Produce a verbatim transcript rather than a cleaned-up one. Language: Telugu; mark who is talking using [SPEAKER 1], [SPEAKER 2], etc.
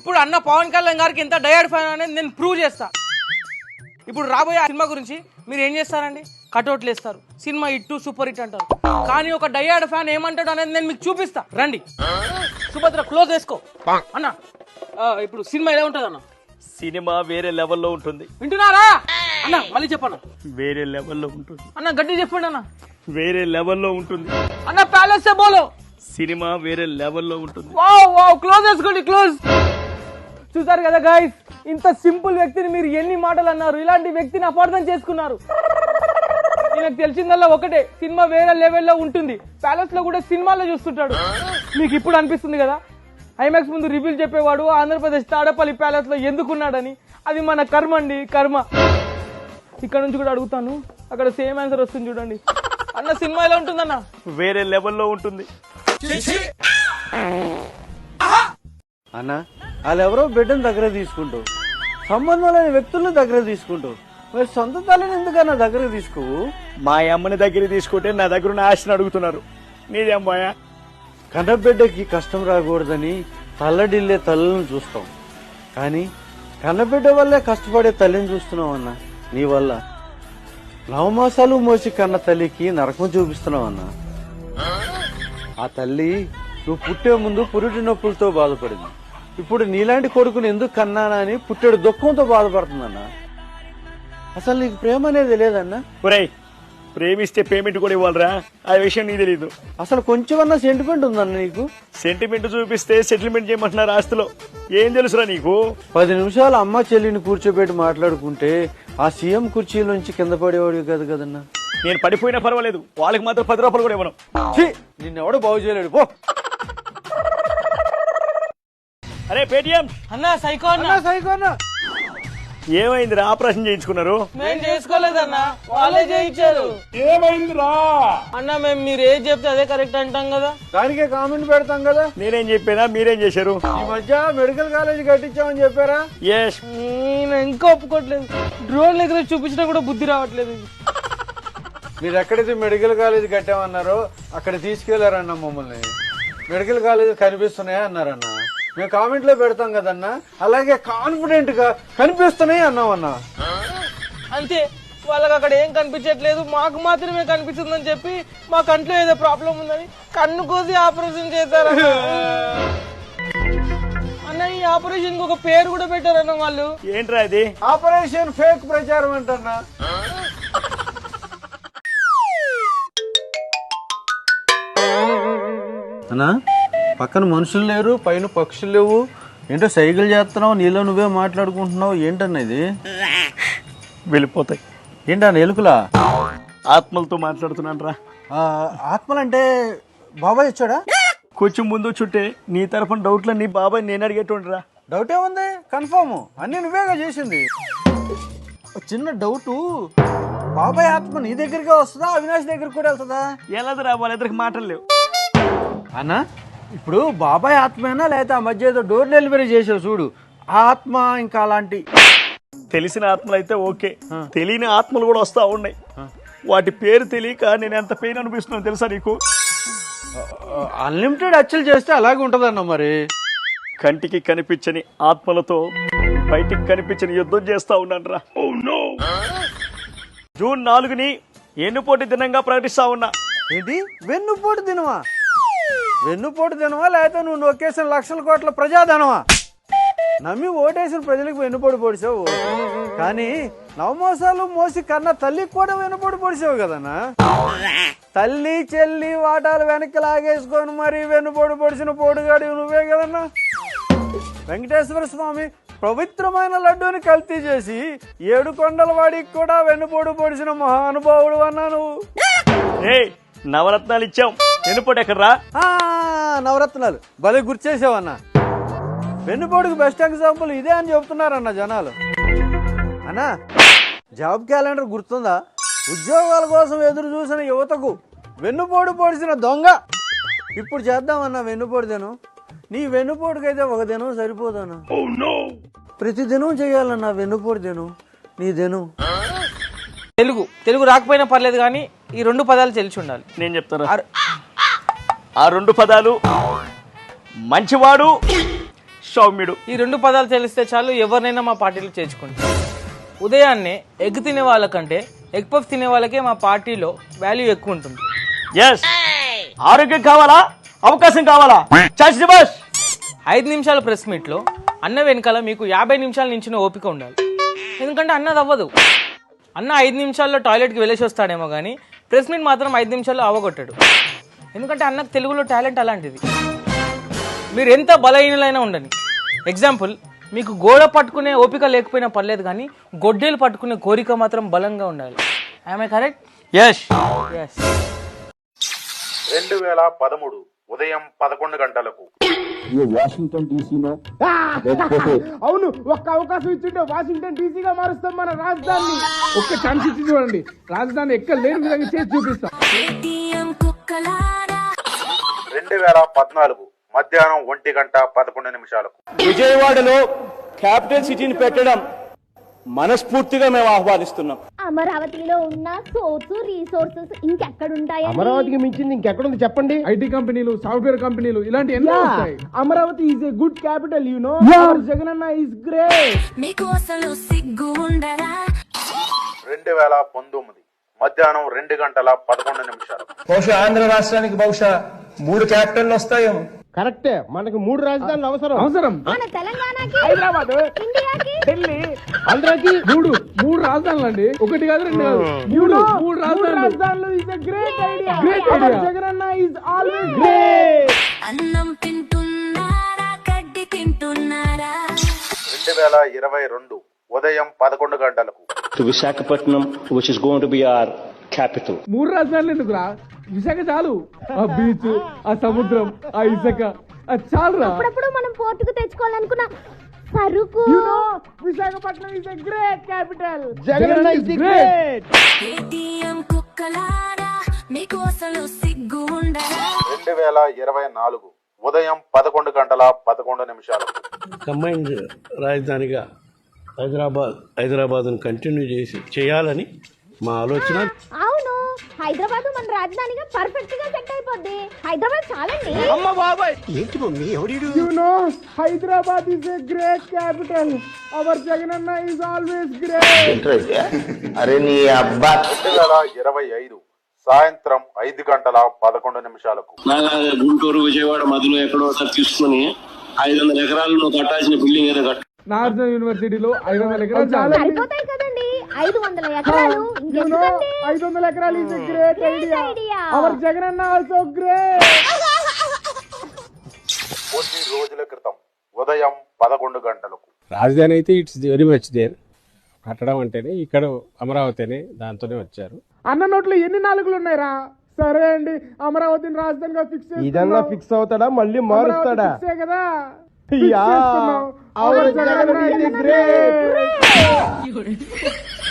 [SPEAKER 1] ఇప్పుడు అన్న పవన్ కళ్యాణ్ గారికి ఎంత డయర్డ్ ఫ్యాన్ అనేది నేను ప్రూవ్ చేస్తా. ఇప్పుడు రాబోయే సినిమా గురించి మీరు ఏం చేస్తారండి? కటౌట్లు వేస్తారు, సినిమా హిట్ సూపర్ హిట్ అంటారు. కానీ ఒక డయర్డ్ ఫ్యాన్ ఏమంటాడు అనేది నేను మీకు చూపిస్తా, రండి. సుభద్ర క్లోజ్ వేసుకో అన్న. ఇప్పుడు సినిమా ఎలా ఉంటుంది అన్న?
[SPEAKER 2] సినిమా వేరే లెవెల్లో ఉంటుంది.
[SPEAKER 1] వింటున్నారా అన్న? మళ్ళీ చెప్పన్న.
[SPEAKER 2] వేరే లెవెల్లో ఉంటుంది
[SPEAKER 1] అన్న గట్టి చెప్పండి అన్న.
[SPEAKER 2] వేరే లెవెల్లో ఉంటుంది
[SPEAKER 1] అన్న ప్యాలెస్ బోలో.
[SPEAKER 2] సినిమా వేరే లెవెల్లో ఉంటుంది.
[SPEAKER 1] వావ్ వావ్, క్లోజ్ వేసుకోండి, క్లోజ్. చూసారు కదా గైస్, ఇంత సింపుల్ వ్యక్తిని మీరు ఎన్ని మాటలు అన్నారు. ఇలాంటి వ్యక్తిని అపార్థం చేసుకున్నారు. నాకు తెలిసిందల్లా ఒకటే, సినిమా వేరే లెవెల్లో ఉంటుంది. ప్యాలెస్ లో కూడా సినిమాలో చూస్తుంటాడు. మీకు ఇప్పుడు అనిపిస్తుంది కదా, ఐమాక్స్ ముందు రివ్యూలు చెప్పేవాడు ఆంధ్రప్రదేశ్ తాడపల్లి ప్యాలెస్ లో ఎందుకున్నాడని. అది మన కర్మ అండి, కర్మ. ఇక్కడ నుంచి కూడా అడుగుతాను, అక్కడ సేమ్ ఆన్సర్ వస్తుంది చూడండి. అన్న సినిమా ఎలా ఉంటుందన్న?
[SPEAKER 2] వేరే లెవెల్లో ఉంటుంది
[SPEAKER 3] అన్న. వాళ్ళెవరో బిడ్డను దగ్గర తీసుకుంటూ, సంబంధం లేని వ్యక్తులను దగ్గర తీసుకుంటూ, మరి సొంత తల్లిని ఎందుకన్నా దగ్గర తీసుకోవు?
[SPEAKER 2] మా అమ్మని దగ్గర తీసుకుంటే నా దగ్గర ఉన్న ఆశని అడుగుతున్నారు. నీదే అమ్మాయా?
[SPEAKER 3] కన్నబిడ్డకి కష్టం రాకూడదని తల్లడిల్లే తల్లులను చూస్తాం, కానీ కన్నబిడ్డ వల్లే కష్టపడే తల్లిని చూస్తున్నావు అన్న. నీ వల్ల నవమాసాలు మోసి కన్న తల్లికి నరకం చూపిస్తున్నావు అన్న. ఆ తల్లి నువ్వు పుట్టే ముందు పురిటి నొప్పులతో బాధపడింది. ఇప్పుడు నీలాంటి కొడుకుని ఎందుకు కన్నానా అని పుట్టేడు దుఃఖంతో బాధపడుతుందన్న. అసలు నీకు ప్రేమ అనేది లేదన్నా?
[SPEAKER 2] ఒరేయ్, ప్రేమిస్తే పేమెంట్ కూడా ఇవ్వాలరా, ఆ విషయం నీకు తెలీదు.
[SPEAKER 3] అసలు కొంచెమన్నా సెంటిమెంట్ ఉందన్న నీకు?
[SPEAKER 2] సెంటిమెంట్ చూపిస్తే సెటిల్మెంట్ చేయమంటున్నారు ఆస్తిలో. ఏం తెలుసురా నీకు?
[SPEAKER 3] పది నిమిషాలు అమ్మ చెల్లిని కూర్చోబెట్టి మాట్లాడుకుంటే ఆ సీఎం కుర్చీలోంచి కింద పడేవాడు కాదు కదన్నా.
[SPEAKER 2] నేను పడిపోయినా పర్వాలేదు, వాళ్ళకి మాత్రం పది రూపాయలు కూడా ఇవ్వను.
[SPEAKER 3] నిన్నెవడో బాగు చేయలేడు పో.
[SPEAKER 2] అరే పేటిఎం
[SPEAKER 1] అన్న సైకో అన్న.
[SPEAKER 3] సైకో అన్న.
[SPEAKER 2] ఏమైందిరా? ఆపరేషన్ చేయించుకున్నారు?
[SPEAKER 1] మేము చేసుకోలేదన్న, వాళ్ళే చేయించారు.
[SPEAKER 2] ఏమైందిరా?
[SPEAKER 1] అన్న మేము మీరు ఏది చెప్తే అదే కరెక్ట్ అంటాం కదా.
[SPEAKER 3] దానికే కామెంట్ పెడతాం కదా.
[SPEAKER 2] నేనేం చెప్పానా, మీరేం చేశారు?
[SPEAKER 3] ఈ మధ్య మెడికల్ కాలేజ్ కట్టించామని చెప్పారా?
[SPEAKER 2] ఎస్.
[SPEAKER 1] నేను ఇంకా ఒప్పుకోవట్లేదు. డ్రోన్ దగ్గర చూపించినా కూడా బుద్ధి రావట్లేదు.
[SPEAKER 3] మీరు ఎక్కడైతే మెడికల్ కాలేజ్ కట్టామన్నారో అక్కడ తీసుకెళ్లారన్న మమ్మల్ని. మెడికల్ కాలేజ్ కనిపిస్తున్నాయా అన్నారన్న. మేము కామెంట్ లో పెడతాం కదన్నా, అలాగే కాన్ఫిడెంట్ గా కనిపిస్తున్నాయి అన్నామన్నా.
[SPEAKER 1] అంతే, వాళ్ళకి అక్కడ ఏం కనిపించట్లేదు, మాకు మాత్రమే కనిపిస్తుందని చెప్పి మా కంట్లో ఏదో ప్రాబ్లం ఉందని కన్ను కోసి ఆపరేషన్ చేశారు అన్న. ఈ ఆపరేషన్ కి ఒక పేరు కూడా పెట్టారన్న వాళ్ళు.
[SPEAKER 2] ఏంట్రా ఇది?
[SPEAKER 3] ఆపరేషన్ ఫేక్ ప్రచారం అంటన్నా. అన్నా పక్కన మనుషులు లేరు, పైన పక్షులు లేవు, ఏంటో సైకిల్ చేస్తున్నావు, నీలో నువ్వే మాట్లాడుకుంటున్నావు, ఏంటన్నా ఇది?
[SPEAKER 2] వెళ్ళిపోతాయి.
[SPEAKER 3] ఏంటన్నా ఎలుకలా?
[SPEAKER 2] ఆత్మలతో మాట్లాడుతున్నాను రా.
[SPEAKER 3] ఆత్మలంటే బాబాయ్ వచ్చాడా?
[SPEAKER 2] కొంచెం ముందు చుట్టే నీ తరఫున డౌట్లు నీ బాబాయ్ నేను అడిగేటుండ్రా.
[SPEAKER 3] డౌట్ ఏముంది, కన్ఫర్మ్ అన్ని నువ్వేగా చేసింది. చిన్న డౌటు, బాబాయ్ ఆత్మ నీ దగ్గరగా వస్తుందా, అవినాష్ దగ్గరికి కూడా వెళ్తుందా?
[SPEAKER 2] ఎలాదిరా, వాళ్ళిద్దరికి మాటలు లేవు
[SPEAKER 3] అన్నా. ఇప్పుడు బాబాయ్ ఆత్మేనా లేకపోతే ఆ మధ్య ఏదో డోర్ డెలివరీ చేసావు చూడు, ఆ ఆత్మ ఇంకా అలాంటి?
[SPEAKER 2] తెలిసిన ఆత్మలు అయితే ఓకే, తెలియని ఆత్మలు కూడా వస్తా ఉన్నాయి. వాటి పేరు తెలియక నేను ఎంత పెయిన్ అనిపిస్తున్నాను తెలుసా నీకు?
[SPEAKER 3] అన్లిమిటెడ్ అచ్చలు చేస్తే అలాగే ఉంటదన్న. మరి
[SPEAKER 2] కంటికి కనిపించని ఆత్మలతో బయటికి కనిపించని యుద్ధం చేస్తా ఉన్నాను రా. జూన్ నాలుగుని ఎన్నుపోటీ దినంగా ప్రకటిస్తా ఉన్నా.
[SPEAKER 3] ఏంటి వెన్నుపోటు దినమా? వెన్నుపోటు దినమా లేకపోతే నువ్వు నొక్కేసిన లక్షల కోట్ల ప్రజాధనమా? నమ్మి ఓటేసిన ప్రజలకు వెన్నుపోటు పొడిచావు, కానీ నవమోసాలు మోసి కన్నా తల్లికి కూడా వెన్నుపోటు పొడిచావు కదన్నా. తల్లి చెల్లి వాటాలు వెనక్కి లాగేసుకొని మరి వెన్నుపోటు పొడిచిన పోటుగాడి నువ్వే కదన్నా. వెంకటేశ్వర స్వామి పవిత్రమైన లడ్డూని కల్తీ చేసి ఏడు కొండల వాడికి కూడా వెన్నుపోటు పొడిచిన మహానుభావుడు అన్నా నువ్వు.
[SPEAKER 2] నవరత్నాలు ఇచ్చాం, వెన్నుపోటు ఎక్కడ్రా?
[SPEAKER 3] నవరత్నాలు భలే గుర్తు చేసావన్నా. వెన్నుపోటుకు బెస్ట్ ఎగ్జాంపుల్ ఇదే అని చెప్తున్నారన్న జనాలు. అన్నా జాబ్ క్యాలెండర్ గుర్తుందా? ఉద్యోగాల కోసం ఎదురు చూసిన యువతకు వెన్నుపోటు పొడిచిన దొంగ. ఇప్పుడు చేద్దామన్నా వెన్నుపోటు దినం. నీ వెన్నుపోటుకైతే ఒక దినం సరిపోదన్నా, ప్రతి దినం చేయాలన్నా వెన్నుపోటు దినం. నీ దినం
[SPEAKER 1] తెలుగు తెలుగు రాకపోయినా పర్లేదు కానీ ఈ రెండు పదాలు తెలిసి ఉండాలి.
[SPEAKER 2] నేను చెప్తాను. ఆ రెండు పదాలు మంచివాడు సౌమ్యుడు.
[SPEAKER 1] ఈ రెండు పదాలు తెలిస్తే చాలు ఎవరినైనా మా పార్టీలో చేర్చుకుంటాం. ఉదయాన్నే ఎగ్ తినే వాళ్ళకంటే ఎగ్ పఫ్ తినే వాళ్ళకే మా పార్టీలో వాల్యూ ఎక్కువ ఉంటుంది.
[SPEAKER 2] ఎస్, ఆరోగ్యం కావాలా, అవకాశం కావాలా, చాచి బస్.
[SPEAKER 1] ఐదు నిమిషాల ప్రెస్ మీట్లో అన్న వెనకాల మీకు యాభై నిమిషాల నించిన ఓపిక ఉండాలి. ఎందుకంటే అన్నది అవ్వదు. అన్న ఐదు నిమిషాల్లో టాయిలెట్కి వెళ్ళేసి వస్తాడేమో కానీ ప్రెస్ మీట్ మాత్రం ఐదు నిమిషాల్లో అవ్వగొట్టాడు. ఎందుకంటే అన్నకు తెలుగులో టాలెంట్ అలాంటిది. మీరు ఎంత బలహీనులైనా ఉండని. ఎగ్జాంపుల్, మీకు గోడ పట్టుకునే ఓపిక లేకపోయినా పర్లేదు కానీ గొడ్డేలు పట్టుకునే కోరిక మాత్రం బలంగా ఉండాలి. I'm I correct?
[SPEAKER 2] Yes
[SPEAKER 1] yes.
[SPEAKER 4] రెండు వేల పదమూడు ఉదయం పదకొండు గంటలకు
[SPEAKER 5] వాషింగ్టన్ డీసీనో
[SPEAKER 6] అవును, ఒక్క అవకాశం ఇచ్చింటే వాషింగ్టన్ డీసీగా మారుస్తాం మన రాజధాని. ఒక్క ఛాన్స్ ఇచ్చి చూడండి, రాజధాని ఎక్కడ లేని విధంగా చేసి చూపిస్తాం.
[SPEAKER 4] రెండు వేల పద్నాలుగు మధ్యాహ్నం ఒంటి గంట పదకొండు నిమిషాలకు
[SPEAKER 2] విజయవాడలో క్యాపిటల్ సిటీని పెట్టడం మనస్ఫూర్తిగా మేము ఆహ్వానిస్తున్నాం.
[SPEAKER 7] అమరావతిలో ఉన్న సోర్సు రీసోర్సెస్ ఇంకెక్కడుంటాయి?
[SPEAKER 6] అమరావతికి మించింది ఇంకెక్కడుంది చెప్పండి? ఐటీ కంపెనీలు, సాఫ్ట్వేర్ కంపెనీలు ఇలాంటి ఎన్నో వస్తాయి. Amaravati is a good capital, you know. జగనన్న ఈజ్ గ్రేట్.
[SPEAKER 7] మీకు అసలు సిగ్గు ఉండరా?
[SPEAKER 4] రెండు వేల పంతొమ్మిది మధ్యాహ్నం రెండు గంటల పదకొండు నిమిషాలకు
[SPEAKER 8] బహుశా ఆంధ్ర రాష్ట్రానికి బహుశా మూడు క్యాపిటల్ వస్తాయేమో.
[SPEAKER 6] కరెక్టే, మనకు మూడు రాజధానులు అవసరం అవసరం
[SPEAKER 7] మన తెలంగాణకి,
[SPEAKER 6] హైదరాబాద్,
[SPEAKER 7] ఇండియాకి,
[SPEAKER 6] ఢిల్లీ, ఆంధ్రాకి మూడు మూడు రాజధానులు అండి. ఒకటి కాదు, రెండు కాదు, మూడు మూడు రాజధానులు. Is a great idea. Great idea. జగనన్న ఇస్ ఆల్వేస్ గ్రేట్.
[SPEAKER 7] అన్నం తింటున్నారా, గడ్డి తింటున్నారా?
[SPEAKER 4] రెండు వేల ఇరవై రెండు ఉదయం పదకొండు గంటలకు
[SPEAKER 5] to Visakhapatnam which is going to be our capital.
[SPEAKER 6] మూడు రాజధానులు ఎందుకురా? విశాఖ చాలు. ఆ బీచ్, ఆ సముద్రం, ఆ ఇసుక, అది చాలురా.
[SPEAKER 7] అప్పుడప్పుడు మనం పోర్టుకు తెచ్చుకోవాలనుకున్న సరుకు.
[SPEAKER 6] Visakhapatnam is a great capital. జగనన్న ఇస్ గ్రేట్.
[SPEAKER 7] ఏటీఎం కుక్కలారా, మీకు అసలు సిగ్గు ఉండరా?
[SPEAKER 4] రెండు వేల ఇరవై నాలుగు ఉదయం పదకొండు గంటల పదకొండు నిమిషాలకు
[SPEAKER 9] కంబైన్డ్ రాజధానిగా హైదరాబాద్ హైదరాబాద్ను కంటిన్యూ చేసి చేయాలని మా ఆలోచన.
[SPEAKER 7] అవును, హైదరాబాద్ మన రాజధానిగా పర్ఫెక్ట్ గా సెట్ అయిపోద్ది. హైదరాబాద్ చాలండి.
[SPEAKER 9] ఏంటి మమ్మీ ఎవడు?
[SPEAKER 6] You know, Hyderabad is a great capital. Our జగనన్న ఇస్ ఆల్వేస్ గ్రేట్.
[SPEAKER 5] అరే నీ అబ్బా.
[SPEAKER 4] రెండు వేల ఇరవై ఐదు సాయంత్రం ఐదు గంటల పదకొండు నిమిషాలకు
[SPEAKER 8] గుంటూరు విజయవాడ మధ్యలో ఎక్కడో ఒకసారి తీసుకుని ఐదు వందల ఎకరాలు నువ్వు కట్టాల్సిన బిల్డింగ్ ఏదో కట్ట.
[SPEAKER 6] నాగార్జున యూనివర్సిటీలో ఐదు వందల ఎకరాలు
[SPEAKER 7] సరిపోతాయి కదండి. ఐదు వందల ఎకరాలు ఇంకెందుకండి?
[SPEAKER 6] ఐదు వందల ఎకరాలు is a great idea. Our జగనన్న ఆల్సో గ్రేట్.
[SPEAKER 4] కొద్ది రోజుల క్రితం ఉదయం పదకొండు గంటలకు
[SPEAKER 10] రాజధాని అయితే ఇట్స్ వెరీ మచ్ దేర్. కట్టడం అంటేనే ఇక్కడ అమరావతినే, దాంతోనే వచ్చారు.
[SPEAKER 6] అన్న నోట్లో ఎన్ని నాలుగులు ఉన్నాయిరా? సరే అండి, అమరావతిని రాజధానిగా ఫిక్స్. ఇదన్నా ఫిక్స్ అవుతాడా, మళ్ళీ మారుస్తాడా? కదా. అవర్ జగనన్న ఇస్ గ్రేట్.